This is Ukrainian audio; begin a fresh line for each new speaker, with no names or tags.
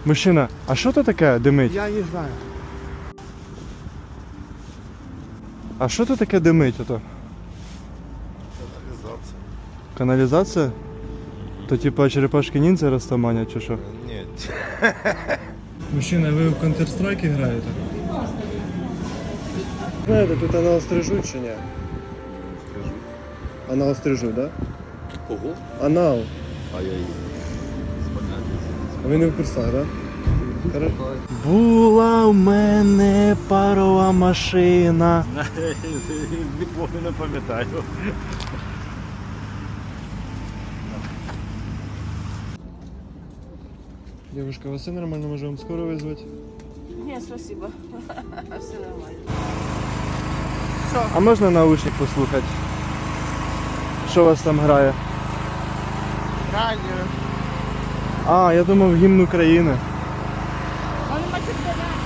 Мужчина, а що то таке димить?
Я не знаю.
А що то таке димить ото?
Канализация.
Каналізація? То типа черепашки ніндзя розтаманять чи що?
Нет.
Мужчина, ви в Counter-Strike граєте?
Знаєте, тут анал стрижуть чи ні?
Скажу.
Анал стрижуть, да?
Кого?
Анал.
А я и
А ви не в курсах, да?
Була в мене парова машина.
Нікого не пам'ятаю.
Девушка, вас все нормально, може вам скоро визвати?
Нет, спасибо. Все нормально.
А можна наушник послухати? Що у вас там грає?
Радіо.
А, я думав гімн України.
Он матюкает.